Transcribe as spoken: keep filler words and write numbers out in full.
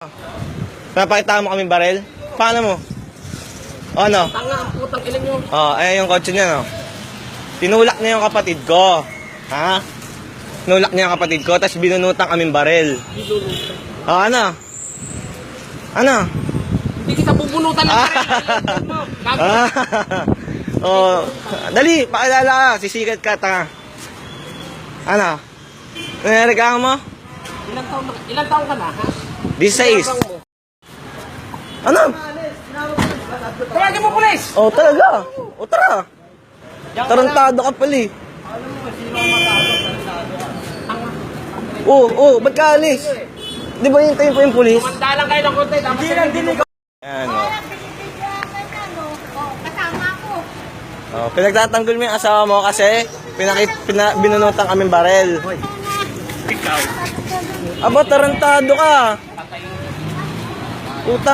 Napakita mo kami barel? Paano mo? O ano? Tanga ang putang ilan nyo. O, ayan yung kotse niya, no? Tinulak niya yung kapatid ko. Ha? Tinulak niya yung kapatid ko, tapos binunutan kaming barel. O, ano? Ano? Hindi kita bubunutan ng baril. Ah. O, dali, pakilala ka. Sisikat ka, tanga. Ano? Nangyari mo? Ilang taon, ilang taon ka na, ha? Disais. Ano? Tawagin mo, pulis! Oh, talaga. O, tara. Tarantado ka pala eh. Oo, oh, ba't ka alis? Di ba hintayin po yung pulis? Kumanda lang kayo ng konti. Hindi lang dinig. Ayan, o. Kasama ko. Oh, pinagtatanggol mo yung asawa mo kasi pinakit, pina, binunutan kaming barel. Ikaw. Aba, tarantado ka. Utang.